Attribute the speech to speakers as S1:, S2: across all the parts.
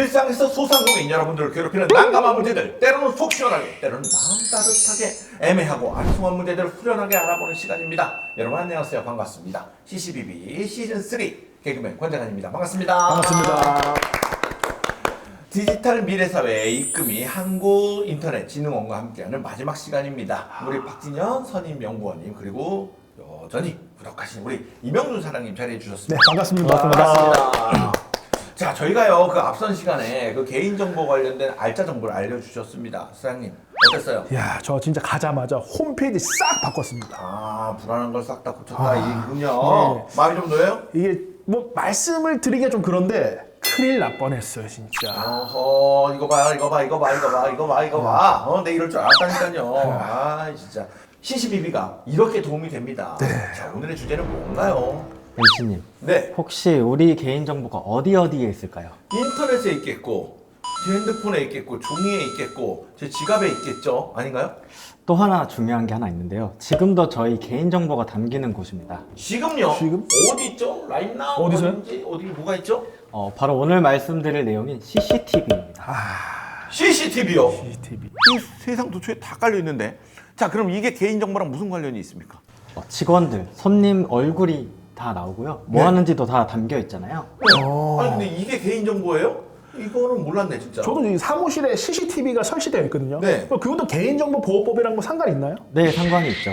S1: 일상에서 소상공인 여러분들을 괴롭히는 난감한 문제들, 때로는 속 시원하게, 때로는 마음 따뜻하게 애매하고 아리송한 문제들을 후련하게 알아보는 시간입니다. 여러분 안녕하세요. 반갑습니다. CCBB 시즌3 개그맨 권장환입니다. 반갑습니다.
S2: 반갑습니다.
S1: 디지털 미래사회의 입금이 한국인터넷진흥원과 함께하는 마지막 시간입니다. 우리 박진현 선임연구원님 그리고 여전히 부덕하신 우리 이명준 사장님 자리해 주셨습니다.
S2: 네, 반갑습니다.
S1: 반갑습니다. 자, 저희가요 그 앞선 시간에 그 개인정보 관련된 알짜 정보를 알려주셨습니다. 사장님 어땠어요?
S2: 야, 저 진짜 가자마자 홈페이지 싹 바꿨습니다.
S1: 아, 불안한 걸 싹 다 고쳤다 이군요.
S2: 네.
S1: 마음이 좀 놓여요?
S2: 이게 뭐 말씀을 드리기가 좀 그런데 큰일 날 뻔했어요, 진짜.
S1: 어허, 이거 봐. 내 이럴 줄 알았다니까요. 아, 진짜. CCBB가 이렇게 도움이 됩니다.
S2: 네.
S1: 자, 오늘의 주제는 뭔가요?
S3: MC님,
S1: 네,
S3: 혹시 우리 개인정보가 어디에 있을까요?
S1: 인터넷에 있겠고, 제 핸드폰에 있겠고, 종이에 있겠고, 제 지갑에 있겠죠? 아닌가요?
S3: 또 하나 중요한 게 하나 있는데요. 지금도 저희 개인정보가 담기는 곳입니다.
S1: 지금요?
S2: 지금?
S1: 어디 있죠? 라인나우?
S2: 어디서요?
S1: 어딘지? 어디 뭐가 있죠?
S3: 바로 오늘 말씀드릴 내용인 CCTV입니다.
S1: CCTV요.
S2: CCTV.
S1: 이 세상 도처에 다 깔려 있는데. 자, 그럼 이게 개인정보랑 무슨 관련이 있습니까?
S3: 직원들, 손님 얼굴이 다 나오고요. 뭐
S1: 네.
S3: 하는지도 다 담겨 있잖아요.
S1: 아니 근데 이게 개인정보예요? 이거는 몰랐네 진짜.
S2: 저도 이 사무실에 CCTV가 설치되어 있거든요.
S1: 네.
S2: 그것도 개인정보보호법이랑 뭐 상관 있나요?
S3: 네, 상관이 있죠.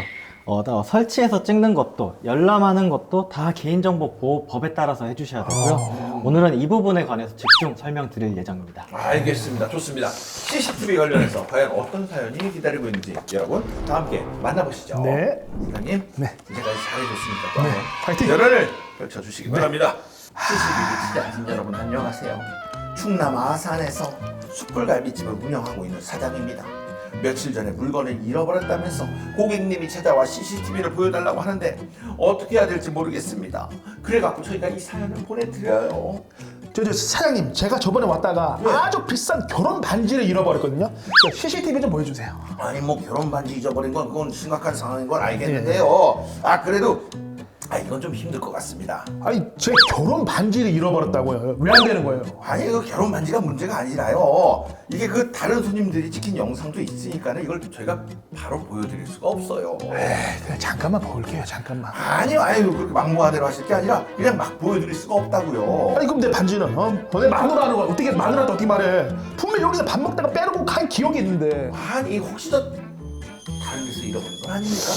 S3: 설치해서 찍는 것도, 열람하는 것도 다 개인정보보호법에 따라서 해주셔야 되고요. 오늘은 이 부분에 관해서 집중 설명드릴 예정입니다.
S1: 알겠습니다. 좋습니다. CCTV 관련해서 과연 어떤 사연이 기다리고 있는지 여러분 다 함께 만나보시죠.
S2: 네.
S1: 사장님,
S2: 네.
S1: 이제까지 잘해줬으니까 또
S2: 네.
S1: 한번
S2: 파이팅!
S1: 열연을 펼쳐주시기 바랍니다. CCTV 시청자 여러분 안녕하세요. 충남 아산에서 숯불갈비집을 운영하고 있는 사장입니다. 며칠 전에 물건을 잃어버렸다면서 고객님이 찾아와 CCTV를 보여달라고 하는데 어떻게 해야 될지 모르겠습니다. 그래갖고 저희가 이 사연을 보내드려요.
S2: 저 사장님, 제가 저번에 왔다가
S1: 네.
S2: 아주 비싼 결혼 반지를 잃어버렸거든요. CCTV 좀 보여주세요.
S1: 아니 뭐 결혼 반지 잊어버린 건 그건 심각한 상황인 건 알겠는데요. 아 그래도 이건 좀 힘들 것 같습니다.
S2: 아니, 제 결혼 반지를 잃어버렸다고요. 왜 안 되는 거예요?
S1: 아니 그 결혼 반지가 문제가 아니라요. 이게 그 다른 손님들이 찍힌 영상도 있으니까는 이걸 저희가 바로 보여드릴 수가 없어요.
S2: 에이, 그냥 잠깐만 볼게요, 잠깐만.
S1: 아니요, 그렇게 막무가내로 하실 게 아니라 그냥 막 보여드릴 수가 없다고요.
S2: 아니, 그럼 내 반지는? 내 마누라는 거야. 어떻게 마누라한테 어떻게 말해? 분명 여기서 밥 먹다가 빼놓고 간 기억이 있는데.
S1: 아니 혹시 저 다른 데서 잃어버린 건 아닙니까?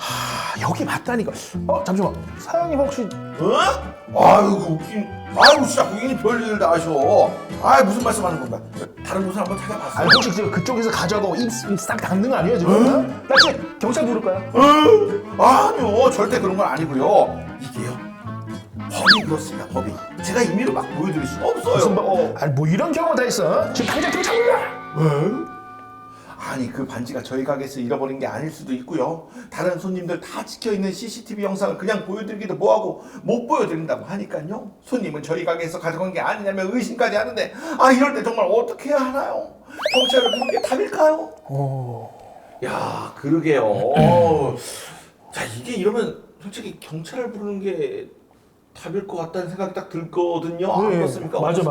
S2: 여기 맞다니까. 잠시만. 사장님 혹시
S1: 어? 아유 웃긴. 아유 진짜 고객님 별일 다 하셔. 아 무슨 말씀하는 건가? 다른 곳을 한번 찾아봤어요.
S2: 아니 혹시 지금 그쪽에서 가져가고 입싹 닦는 거 아니에요 지금? 나 지금 경찰 부를까요?
S1: 아니요 절대 그런 건 아니고요. 이게요 법이 그렇습니다. 법이 제가 임의로 막 보여드릴 수가 없어요.
S2: 무슨 아니 뭐 이런 경우가 다 있어. 지금 당장 경찰 불러.
S1: 아니 그 반지가 저희 가게에서 잃어버린 게 아닐 수도 있고요. 다른 손님들 다 찍혀있는 CCTV 영상을 그냥 보여드리기도 뭐하고 못 보여드린다고 하니까요. 손님은 저희 가게에서 가져간 게 아니냐며 의심까지 하는데 이럴 때 정말 어떻게 해야 하나요? 경찰을 부르는 게 답일까요? 야 그러게요. 자 이게 이러면 솔직히 경찰을 부르는 게 답일 것 같다는 생각이 딱 들거든요. 안 그렇습니까?
S2: 맞아.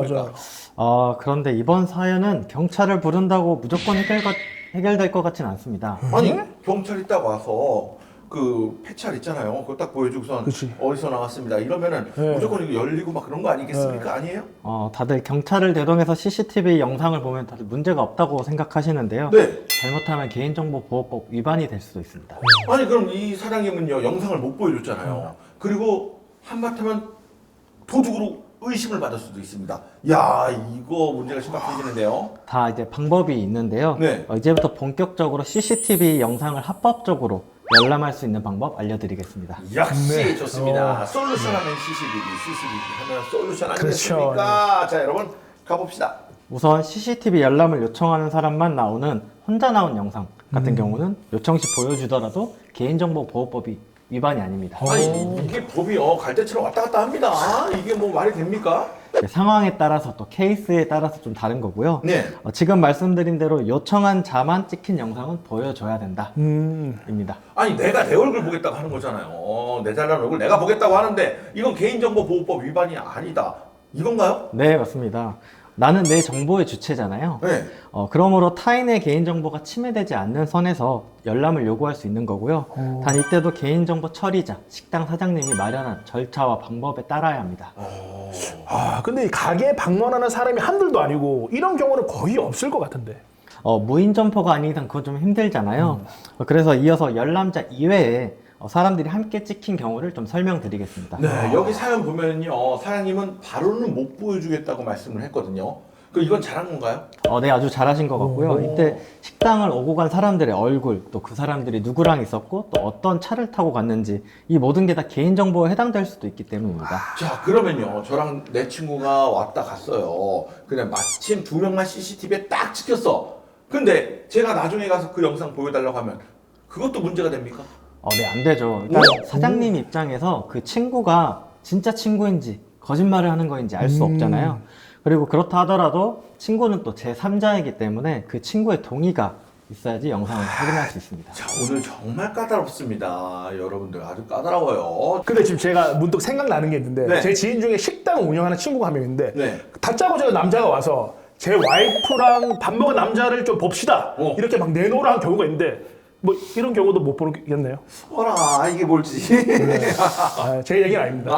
S3: 그런데 이번 사연은 경찰을 부른다고 무조건 해결될 것 같진 않습니다.
S1: 아니 경찰이 딱 와서 그 폐찰 있잖아요. 그거 딱 보여주고선
S2: 그치.
S1: 어디서 나왔습니다. 이러면은
S2: 네.
S1: 무조건 이거 열리고 막 그런 거 아니겠습니까? 아니에요?
S3: 다들 경찰을 대동해서 CCTV 영상을 보면 다들 문제가 없다고 생각하시는데요.
S1: 네.
S3: 잘못하면 개인정보보호법 위반이 될 수도 있습니다.
S1: 아니 그럼 이 사장님은요 영상을 못 보여줬잖아요. 그리고 한바탕은 도둑으로 의심을 받을 수도 있습니다. 야 이거 문제가 심각해지는데요.
S3: 다 이제 방법이 있는데요.
S1: 네.
S3: 이제부터 본격적으로 CCTV 영상을 합법적으로 열람할 수 있는 방법 알려드리겠습니다.
S1: 역시
S2: 네.
S1: 좋습니다. 솔루션 하면 CCTV 하면 솔루션
S2: 그렇죠.
S1: 아니겠습니까? 자 여러분 가봅시다.
S3: 우선 CCTV 열람을 요청하는 사람만 나오는 혼자 나온 영상 같은 경우는 요청 시 보여주더라도 개인정보보호법이 위반이 아닙니다.
S1: 아니 이게 법이 갈대처럼 왔다 갔다 합니다. 이게 뭐 말이 됩니까?
S3: 상황에 따라서 또 케이스에 따라서 좀 다른 거고요.
S1: 네.
S3: 지금 말씀드린 대로 요청한 자만 찍힌 영상은 보여줘야 된다. 입니다.
S1: 아니 내가 내 얼굴 보겠다고 하는 거잖아요. 내 잘난 얼굴 내가 보겠다고 하는데 이건 개인정보보호법 위반이 아니다. 이건가요?
S3: 네, 맞습니다. 나는 내 정보의 주체잖아요.
S1: 네.
S3: 그러므로 타인의 개인정보가 침해되지 않는 선에서 열람을 요구할 수 있는 거고요. 단 이때도 개인정보 처리자, 식당 사장님이 마련한 절차와 방법에 따라야 합니다.
S2: 아, 근데 이 가게 방문하는 사람이 한둘도 아니고 이런 경우는 거의 없을 것 같은데.
S3: 무인 점포가 아닌 이상 그건 좀 힘들잖아요. 그래서 이어서 열람자 이외에 사람들이 함께 찍힌 경우를 좀 설명드리겠습니다.
S1: 네, 여기 사연 보면요, 사장님은 바로는 못 보여주겠다고 말씀을 했거든요. 이건 잘한 건가요?
S3: 네, 아주 잘하신 것 같고요.
S2: 오.
S3: 이때 식당을 오고 간 사람들의 얼굴, 또 그 사람들이 누구랑 있었고, 또 어떤 차를 타고 갔는지, 이 모든 게 다 개인정보에 해당될 수도 있기 때문입니다.
S1: 자, 그러면요, 저랑 내 친구가 왔다 갔어요. 그냥 마침 2명만 CCTV에 딱 찍혔어. 근데 제가 나중에 가서 그 영상 보여달라고 하면 그것도 문제가 됩니까?
S3: 네, 안 되죠. 일단 사장님 입장에서 그 친구가 진짜 친구인지 거짓말을 하는 거인지 알 수 없잖아요. 그리고 그렇다 하더라도 친구는 또 제3자이기 때문에 그 친구의 동의가 있어야지 영상을 확인할 수 있습니다.
S1: 자, 오늘 정말 까다롭습니다. 여러분들 아주 까다로워요.
S2: 근데 지금 제가 문득 생각나는 게 있는데
S1: 네.
S2: 제 지인 중에 식당 운영하는 친구가 한 명 있는데
S1: 네.
S2: 다짜고짜 남자가 와서 제 와이프랑 밥 먹은 남자를 좀 봅시다 이렇게 막 내놓으라 한 경우가 있는데 뭐 이런 경우도 못 보겠네요.
S1: 어라, 이게 뭘지.
S2: 제 얘기는 아닙니다.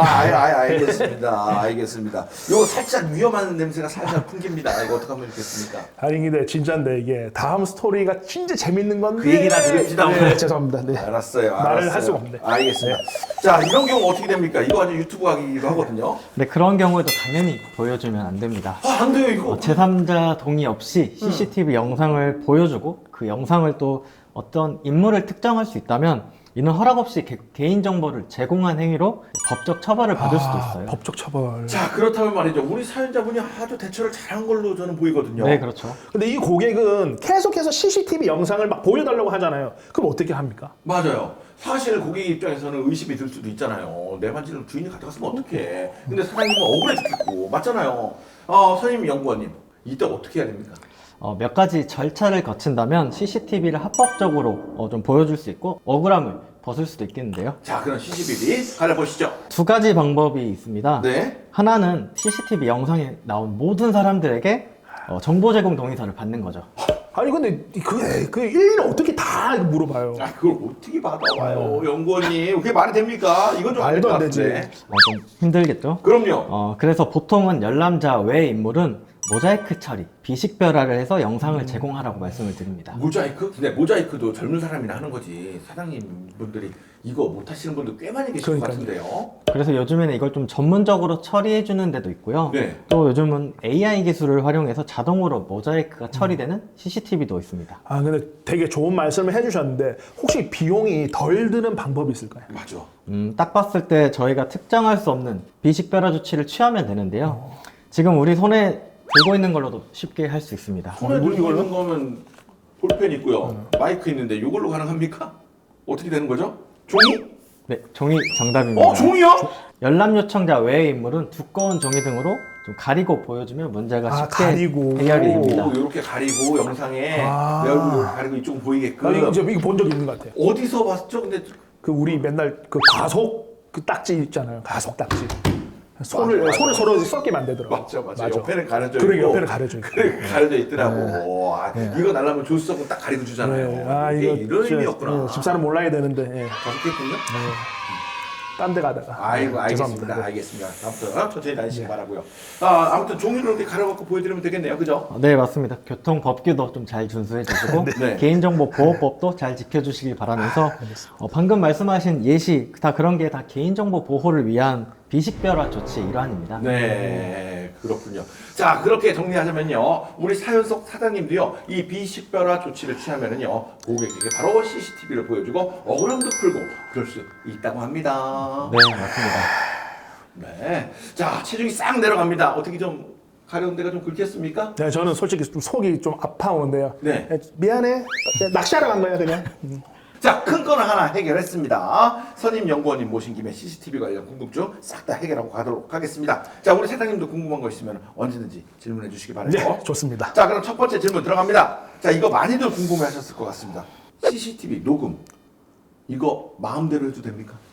S1: 알겠습니다. 알겠습니다. 이거 살짝 위험한 냄새가 살짝 풍깁니다. 이거 어떡하면 좋겠습니까?
S2: 아니 근데 진짜인데 이게 다음 스토리가 진짜 재밌는 건데
S1: 그 얘기나 드립시다,
S2: 네,
S1: 오늘.
S2: 죄송합니다. 네.
S1: 알았어요.
S2: 말을 할 수가 없네.
S1: 알겠습니다. 자, 이런 경우 어떻게 됩니까? 이거 아주 유튜브 하기도 하거든요.
S3: 근데 그런 경우에도 당연히 보여주면 안 됩니다.
S1: 안 돼요, 이거.
S3: 제3자 동의 없이 CCTV 영상을 보여주고 그 영상을 또 어떤 인물을 특정할 수 있다면 이는 허락 없이 개인정보를 제공한 행위로 법적 처벌을 받을 수도 있어요.
S2: 법적 처벌.
S1: 자, 그렇다면 말이죠. 우리 사연자분이 아주 대처를 잘한 걸로 저는 보이거든요.
S3: 네, 그렇죠.
S2: 근데 이 고객은 계속해서 CCTV 영상을 막 보여달라고 하잖아요. 그럼 어떻게 합니까?
S1: 맞아요. 사실 고객 입장에서는 의심이 들 수도 있잖아요. 내 반지를 주인이 가져갔으면 어떡해. 근데 사장님은 억울해 죽겠고. 맞잖아요. 선임 연구원님, 이때 어떻게 해야 됩니까?
S3: 몇 가지 절차를 거친다면 CCTV를 합법적으로 좀 보여줄 수 있고 억울함을 벗을 수도 있겠는데요.
S1: 자, 그럼 CCTV 가려보시죠.
S3: 두 가지 방법이 있습니다.
S1: 네.
S3: 하나는 CCTV 영상에 나온 모든 사람들에게 정보 제공 동의서를 받는 거죠.
S2: 아니 근데 그 일일이 어떻게 다 물어봐요.
S1: 그걸 어떻게 받아와요, 연구원님? 그게 말이 됩니까? 이건 좀
S2: 말도 안
S1: 것
S2: 되지.
S1: 같은데.
S3: 좀 힘들겠죠?
S1: 그럼요.
S3: 그래서 보통은 열람자 외 인물은 모자이크 처리, 비식별화를 해서 영상을 제공하라고 말씀을 드립니다.
S1: 모자이크? 근데 모자이크도 젊은 사람이나 하는 거지. 사장님 분들이 이거 못 하시는 분들 꽤 많이 계실 것
S2: 그러니까요.
S1: 같은데요.
S3: 그래서 요즘에는 이걸 좀 전문적으로 처리해 주는 데도 있고요.
S1: 네.
S3: 또 요즘은 AI 기술을 활용해서 자동으로 모자이크가 처리되는 CCTV도 있습니다.
S2: 아 근데 되게 좋은 말씀을 해주셨는데 혹시 비용이 덜 드는 방법이 있을까요?
S1: 맞아.
S3: 딱 봤을 때 저희가 특정할 수 없는 비식별화 조치를 취하면 되는데요. 지금 우리 손에 들고 있는 걸로도 쉽게 할 수 있습니다.
S1: 손에 들고 있는 거면 볼펜 있고요. 마이크 있는데 이걸로 가능합니까? 어떻게 되는 거죠? 종이?
S3: 네, 종이 정답입니다.
S1: 종이요?
S3: 열람 요청자 외의 인물은 두꺼운 종이 등으로 좀 가리고 보여주면 문제가 쉽게
S2: 가리고.
S3: 해결이 됩니다.
S1: 이렇게 가리고 영상에 내
S2: 아.
S1: 얼굴 가리고 이쪽 보이게끔.
S2: 아니 이거 본 적 있는 것 같아요.
S1: 어디서 봤죠? 근데
S2: 그 우리 맨날 그 가속 그 딱지 있잖아요. 가속 딱지. 손을
S1: 맞아.
S2: 서로 썩게 만들더라고.
S1: 맞아. 옆에는 가려져 있고.
S2: 그러게 옆에는 가려져 있고.
S1: 그래 가려져 있더라고. 이거 날라면 조수석은 딱 가리고 주잖아요.
S2: 네.
S1: 이게 이런
S2: 진짜,
S1: 의미였구나.
S2: 집사람 몰라야 되는데
S1: 다섯 개군요?
S2: 딴 데 가다가.
S1: 아이고, 알겠습니다.
S2: 죄송합니다. 네.
S1: 알겠습니다. 아무튼 천천히 다니시기 바라고요. 아무튼 종이를 이렇게 가려갖고 보여드리면 되겠네요. 그죠?
S3: 네, 맞습니다. 교통법규도 좀 잘 준수해 주시고
S1: 네.
S3: 개인정보 보호법도 잘 지켜주시기 바라면서 방금 말씀하신 예시 다 그런 게 다 개인정보 보호를 위한 비식별화 조치의 일환입니다.
S1: 네, 그렇군요. 자, 그렇게 정리하자면요. 우리 사연 속 사장님도요, 이 비식별화 조치를 취하면은요, 고객에게 바로 CCTV를 보여주고 억울함도 풀고 그럴 수 있다고 합니다.
S3: 네, 맞습니다.
S1: 네. 자, 체중이 싹 내려갑니다. 어떻게 좀 가려운 데가 좀 긁혔습니까?
S2: 네, 저는 솔직히 좀 속이 좀 아파오는데요.
S1: 네.
S2: 미안해. 낚시하러 간 거야 그냥.
S1: 자, 큰 건 하나 해결했습니다. 선임 연구원님 모신 김에 CCTV 관련 궁금증 싹 다 해결하고 가도록 하겠습니다. 자, 우리 사장님도 궁금한 거 있으면 언제든지 질문해 주시기 바라요.
S2: 네, 좋습니다.
S1: 자, 그럼 첫 번째 질문 들어갑니다. 자, 이거 많이들 궁금해 하셨을 것 같습니다. CCTV 녹음, 이거 마음대로 해도 됩니까?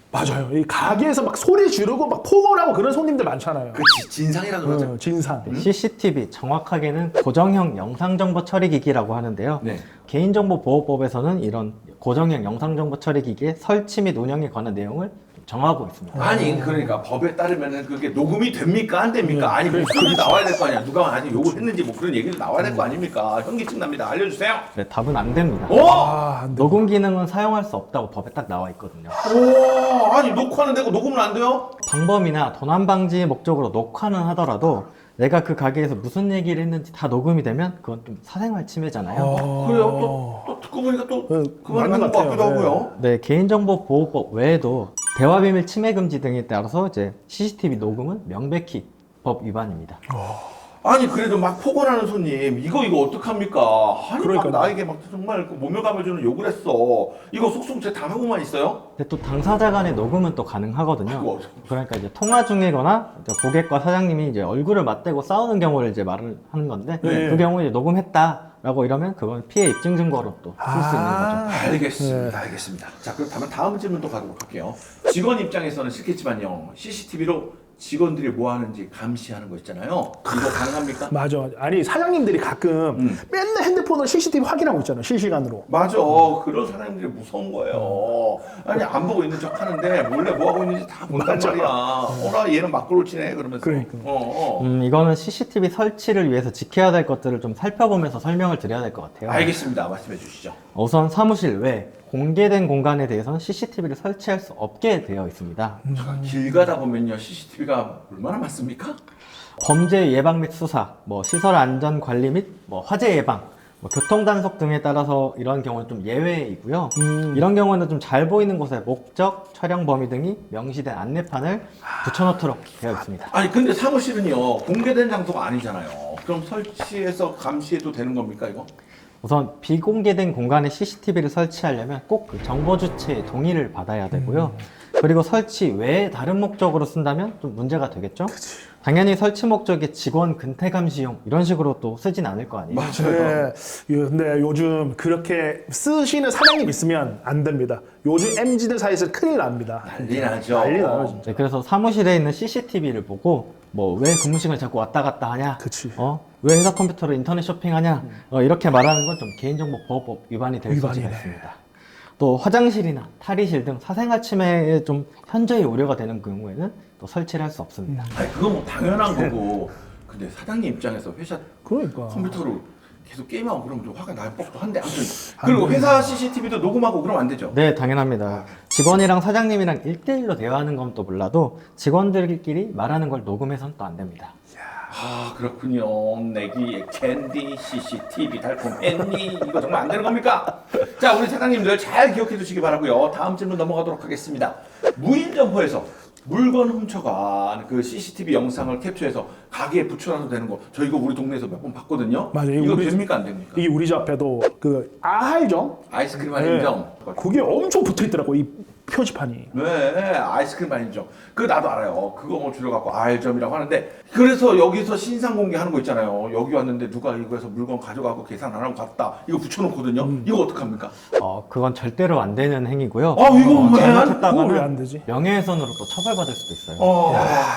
S2: 맞아요. 이 가게에서 막 소리 지르고 막 폭언하고 그런 손님들 많잖아요.
S1: 그치, 진상이라 그러죠.
S2: 진상.
S3: CCTV 정확하게는 고정형 영상정보 처리기기라고 하는데요.
S1: 네.
S3: 개인정보보호법에서는 이런 고정형 영상정보 처리기기의 설치 및 운영에 관한 내용을 정하고 있습니다.
S1: 아니 그러니까 법에 따르면은 그게 녹음이 됩니까 안 됩니까? 아니 목소리 나와야 될 거 아니야. 누가 아니 욕을 했는지 뭐 그런 얘기도 나와야 될 거 아닙니까? 현기증 납니다. 알려주세요.
S3: 네, 답은 안 됩니다.
S1: 어?
S2: 안 돼.
S3: 녹음 기능은 사용할 수 없다고 법에 딱 나와 있거든요.
S1: 오, 아니 녹화는 되고 녹음은 안 돼요?
S3: 방범이나 도난 방지 목적으로 녹화는 하더라도 내가 그 가게에서 무슨 얘기를 했는지 다 녹음이 되면 그건 좀 사생활 침해잖아요.
S1: 그래요. 또 듣고 보니까 또
S2: 네,
S1: 그 말이
S2: 맞는
S1: 맞는
S2: 것
S1: 것 같기도
S2: 같아요.
S1: 하고요.
S3: 네, 개인정보보호법 외에도 대화비밀 침해 금지 등에 따라서 이제 CCTV 녹음은 명백히 법 위반입니다.
S1: 아니 그래도 막 폭언하는 손님 이거 어떡합니까? 아니
S2: 그러니까요.
S1: 막 나에게 막 정말 그 모멸감을 욕을 했어. 이거 속속제 당하고만 있어요?
S3: 근데 또 당사자 간의 녹음은 또 가능하거든요.
S1: 아이고.
S3: 그러니까 이제 통화 중이거나 이제 고객과 사장님이 이제 얼굴을 맞대고 싸우는 경우를 이제 말을 하는 건데
S2: 네.
S3: 그 경우에 이제 녹음했다라고 이러면 그건 피해 입증 증거로 또 쓸 수 있는 거죠.
S1: 알겠습니다. 알겠습니다. 자 그렇다면 다음 질문 또 가도록 할게요. 직원 입장에서는 싫겠지만요. CCTV로 직원들이 뭐 하는지 감시하는 거 있잖아요. 이거 가능합니까?
S2: 맞아. 아니 사장님들이 가끔 맨날 핸드폰으로 CCTV 확인하고 있잖아요. 실시간으로.
S1: 맞아. 그런 사람들이 무서운 거예요. 아니 안 보고 있는 척 하는데 몰래 뭐 하고 있는지 다 본단
S2: 맞아.
S1: 말이야. 어라 얘는 막걸로 치네 그러면서.
S2: 그러니까.
S3: 이거는 CCTV 설치를 위해서 지켜야 될 것들을 좀 살펴보면서 설명을 드려야 될 것 같아요.
S1: 알겠습니다. 말씀해 주시죠.
S3: 우선 사무실 외 공개된 공간에 대해서는 CCTV를 설치할 수 없게 되어 있습니다.
S1: 잠깐 길 가다 보면요 CCTV가 얼마나 많습니까?
S3: 범죄 예방 및 수사, 뭐 시설 안전 관리 및 뭐 화재 예방, 뭐 교통 단속 등에 따라서 이런 경우는 좀 예외이고요. 이런 경우는 좀 잘 보이는 곳에 목적, 촬영 범위 등이 명시된 안내판을 붙여놓도록 되어 있습니다.
S1: 아니 근데 사무실은요 공개된 장소가 아니잖아요. 그럼 설치해서 감시해도 되는 겁니까 이거?
S3: 우선 비공개된 공간에 CCTV를 설치하려면 꼭 그 정보 주체의 동의를 받아야 되고요. 그리고 설치 외에 다른 목적으로 쓴다면 좀 문제가 되겠죠? 당연히 설치 목적이 직원 근태 감시용 이런 식으로 또 쓰진 않을 거 아니에요.
S2: 네. 근데 요즘 그렇게 쓰시는 사장님 있으면 안 됩니다. 요즘 MZ들 사이에서 큰일 납니다.
S1: 난리 나죠.
S2: 난리 나요, 진짜.
S3: 네, 그래서 사무실에 있는 CCTV를 보고 뭐 왜 근무 시간에 자꾸 왔다 갔다 하냐?
S2: 그치.
S3: 왜 회사 컴퓨터로 인터넷 쇼핑하냐? 이렇게 말하는 건 좀 개인정보보호법 위반이 될 소지가
S2: 위반이네.
S3: 있습니다. 또 화장실이나 탈의실 등 사생활 침해에 좀 현저히 우려가 되는 경우에는 또 설치를 할 수 없습니다.
S1: 아니 그건 뭐 당연한 거고. 근데 사장님 입장에서 회사
S2: 그러니까.
S1: 컴퓨터로 계속 게임하고 그러면 좀 화가 날 법도 한데 아무튼 그리고 회사 CCTV도 녹음하고 그러면 안 되죠?
S3: 네, 당연합니다. 직원이랑 사장님이랑 1대1로 대화하는 건 또 몰라도 직원들끼리 말하는 걸 녹음해서는 또 안 됩니다.
S1: 아 그렇군요. 내기 캔디 CCTV 달콤 앤니 이거 정말 안 되는 겁니까? 자 우리 사장님들 잘 기억해 두시기 바라고요. 다음 질문 넘어가도록 하겠습니다. 무인 점포에서 물건 훔쳐간 그 CCTV 영상을 캡처해서 가게에 붙여놔도 되는 거 저 이거 우리 동네에서 몇 번 봤거든요.
S2: 맞아요.
S1: 이거
S2: 우리
S1: 됩니까 안 됩니까?
S2: 이게 우리 집 앞에도 그 아할점
S1: 아이스크림 할인점.
S2: 그게 엄청 붙어 있더라고 이 표지판이.
S1: 네, 아이스크림 할인점. 그거 나도 알아요. 그거 뭐 줄여갖고 알점이라고 하는데 그래서 여기서 신상 공개하는 거 있잖아요. 여기 왔는데 누가 이거에서 물건 가져가고 계산 안 하고 갔다. 이거 붙여놓거든요. 이거 어떡합니까?
S3: 그건 절대로 안 되는 행위고요.
S1: 아 이거 왜?
S2: 그거 왜 안 되지?
S3: 명예훼손으로 또 처벌받을 수도 있어요.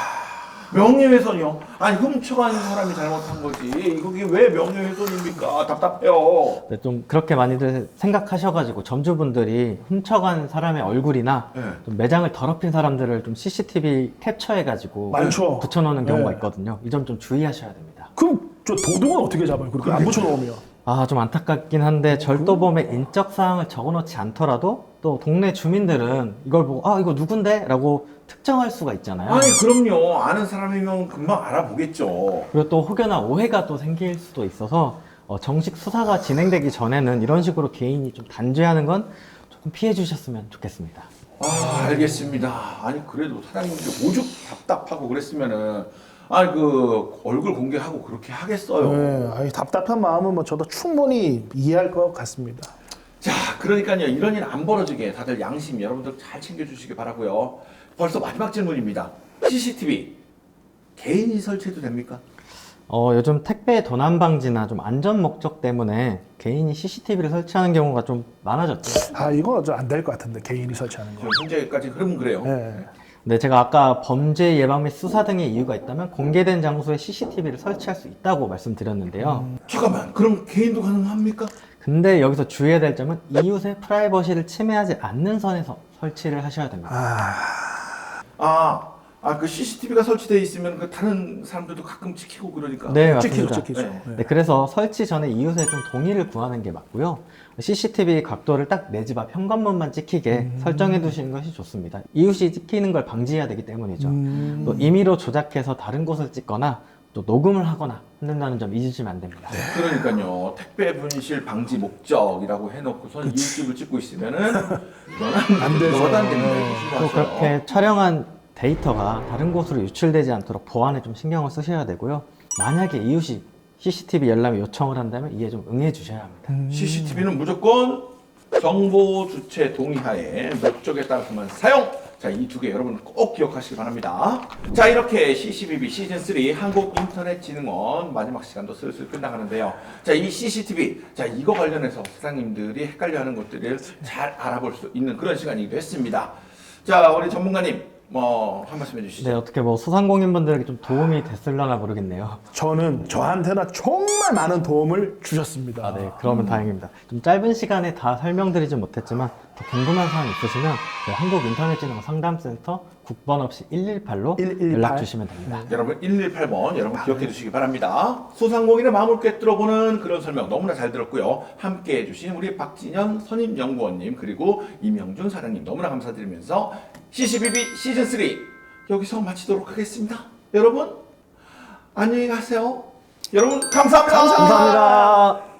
S1: 명예훼손이요? 아니 훔쳐간 사람이 잘못한 거지. 이게 왜 명예훼손입니까? 답답해요.
S3: 네, 좀 그렇게 많이들 생각하셔가지고 점주분들이 훔쳐간 사람의 얼굴이나
S1: 네.
S3: 좀 매장을 더럽힌 사람들을 좀 CCTV 캡처해가지고
S2: 많죠.
S3: 붙여놓는 경우가
S2: 네.
S3: 있거든요. 이 점 좀 주의하셔야 됩니다.
S2: 그럼 저 도둑은 어떻게 잡아요? 그렇게 안 붙여놓으면.
S3: 좀 안타깝긴 한데 절도범의 인적 사항을 적어놓지 않더라도 또 동네 주민들은 이걸 보고 이거 누군데? 라고 특정할 수가 있잖아요.
S1: 아니 그럼요. 아는 사람이면 금방 알아보겠죠.
S3: 그리고 또 혹여나 오해가 또 생길 수도 있어서 정식 수사가 진행되기 전에는 이런 식으로 개인이 좀 단죄하는 건 조금 피해 주셨으면 좋겠습니다.
S1: 알겠습니다. 아니 그래도 사장님들 오죽 답답하고 그랬으면은 아니 그 얼굴 공개하고 그렇게 하겠어요.
S2: 네, 아니, 답답한 마음은 뭐 저도 충분히 이해할 것 같습니다.
S1: 자, 그러니까요. 이런 일 안 벌어지게 다들 양심 여러분들 잘 챙겨주시기 바라고요. 벌써 마지막 질문입니다. CCTV 개인이 설치해도 됩니까?
S3: 요즘 택배 도난 방지나 좀 안전 목적 때문에 개인이 CCTV를 설치하는 경우가 좀 많아졌죠.
S2: 아 이거 좀 안 될 것 같은데 개인이 설치하는 거.
S1: 현재까지 흐름은 그래요.
S2: 네.
S3: 네, 제가 아까 범죄 예방 및 수사 등의 이유가 있다면 공개된 장소에 CCTV를 설치할 수 있다고 말씀드렸는데요.
S1: 잠깐만, 그럼 개인도 가능합니까?
S3: 근데 여기서 주의해야 될 점은 이웃의 프라이버시를 침해하지 않는 선에서 설치를 하셔야 됩니다.
S1: 그 CCTV가 설치되어 있으면 그 다른 사람들도 가끔 찍히고 그러니까.
S3: 네,
S2: 찍히죠,
S3: 맞습니다.
S2: 찍히죠.
S1: 네.
S2: 네.
S3: 네, 그래서 설치 전에 이웃의 좀 동의를 구하는 게 맞고요. CCTV 각도를 딱 내 집 앞 현관문만 찍히게 설정해 두시는 것이 좋습니다. 이웃이 찍히는 걸 방지해야 되기 때문이죠. 또 임의로 조작해서 다른 곳을 찍거나 또 녹음을 하거나 한다는 점 잊으시면 안 됩니다.
S1: 그러니까요. 택배 분실 방지 목적이라고 해놓고선 이웃집을 찍고 있으면은 이거는
S2: 안 되죠.
S1: 이거는 안 됩니다.
S3: 또
S1: 조심하세요.
S3: 그렇게 촬영한 데이터가 다른 곳으로 유출되지 않도록 보안에 좀 신경을 쓰셔야 되고요. 만약에 이웃이 CCTV 열람에 요청을 한다면 이에 좀 응해 주셔야 합니다.
S1: CCTV는 무조건 정보 주체 동의하에 목적에 따라서만 사용. 자, 이 두 개 여러분 꼭 기억하시기 바랍니다. 자, 이렇게 CCTV 시즌 3 한국인터넷진흥원 마지막 시간도 슬슬 끝나가는데요. 자, 이 CCTV, 자, 이거 관련해서 사장님들이 헷갈려하는 것들을 잘 알아볼 수 있는 그런 시간이기도 했습니다. 자, 우리 전문가님, 한 말씀 해주시죠.
S3: 네, 어떻게 뭐 소상공인분들에게 좀 도움이 됐을려나 모르겠네요.
S2: 저한테나 정말 많은 도움을 주셨습니다.
S3: 네, 그러면 다행입니다. 좀 짧은 시간에 다 설명드리진 못했지만 더 궁금한 사항 있으시면 저희 한국인터넷진흥원 상담센터 국번 없이 118로
S2: 118?
S3: 연락 주시면 됩니다.
S1: 여러분 118번 여러분 기억해 주시기 바랍니다. 소상공인의 마음을 꿰뚫어보는 그런 설명 너무나 잘 들었고요. 함께 해주신 우리 박진현 선임연구원님 그리고 임영준 사장님 너무나 감사드리면서 CCTV 시즌 3 여기서 마치도록 하겠습니다. 여러분 안녕히 가세요. 여러분 감사합니다.
S3: 감사합니다.